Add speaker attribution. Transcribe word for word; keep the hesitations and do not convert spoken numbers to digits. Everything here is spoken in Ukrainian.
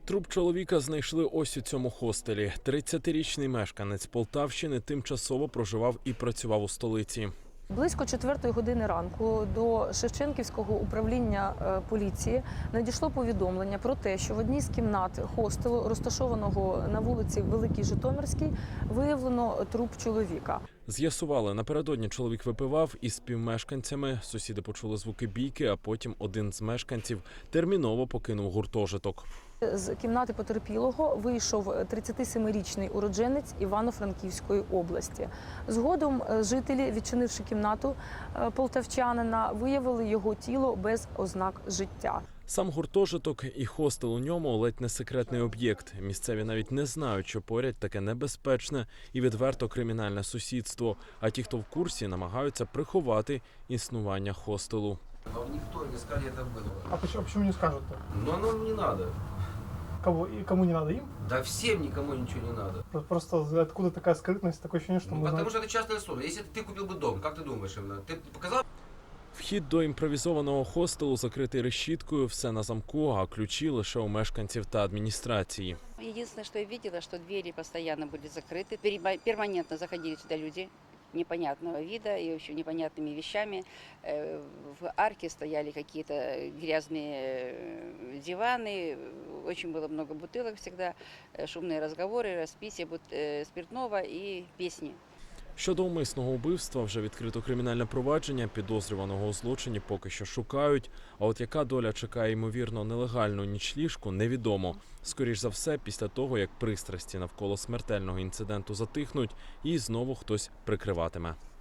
Speaker 1: Труп чоловіка знайшли ось у цьому хостелі. тридцятирічний мешканець Полтавщини тимчасово проживав і працював у столиці.
Speaker 2: Близько четвертої години ранку до Шевченківського управління поліції надійшло повідомлення про те, що в одній з кімнат хостелу, розташованого на вулиці Великій Житомирській, виявлено труп чоловіка.
Speaker 1: З'ясували, напередодні чоловік випивав із співмешканцями. Сусіди почули звуки бійки, а потім один з мешканців терміново покинув гуртожиток.
Speaker 2: З кімнати потерпілого вийшов тридцятисемирічний уродженець Івано-Франківської області. Згодом жителі, відчинивши кімнату полтавчанина, виявили його тіло без ознак життя.
Speaker 1: Сам гуртожиток і хостел у ньому – ледь не секретний об'єкт. Місцеві навіть не знають, що поряд таке небезпечне і відверто кримінальне сусідство. А ті, хто в курсі, намагаються приховати існування хостелу.
Speaker 3: Но никто не скажет, это было.
Speaker 4: А почему, почему не скажут-то?
Speaker 3: Но оно не надо.
Speaker 4: Кого, и кому не надо? Им?
Speaker 3: Да всем никому ничего не надо.
Speaker 4: Про- Просто откуда такая скрытность, такое ощущение, что
Speaker 3: Ну,
Speaker 4: мы
Speaker 3: потому
Speaker 4: знаем.
Speaker 3: что это частная история. Если ты купил бы дом, как ты думаешь, именно? Ты показал?
Speaker 1: Вхід до імпровізованого хостелу закритий решіткою, все на замку, а ключі лише у мешканців та адміністрації.
Speaker 5: Единственное, что я видела, что двери постоянно были закрыты. Переба- Перманентно заходили сюда люди непонятного вида и вообще непонятными вещами. Э, В арке стояли какие-то грязные э, диваны, очень было много бутылок всегда, э, шумные разговоры, распитие бут- э, спиртного и песни.
Speaker 1: Щодо умисного вбивства вже відкрито кримінальне провадження, підозрюваного у злочині поки що шукають. А от яка доля чекає, ймовірно, нелегальну нічліжку, невідомо. Скоріш за все, після того, як пристрасті навколо смертельного інциденту затихнуть, її знову хтось прикриватиме.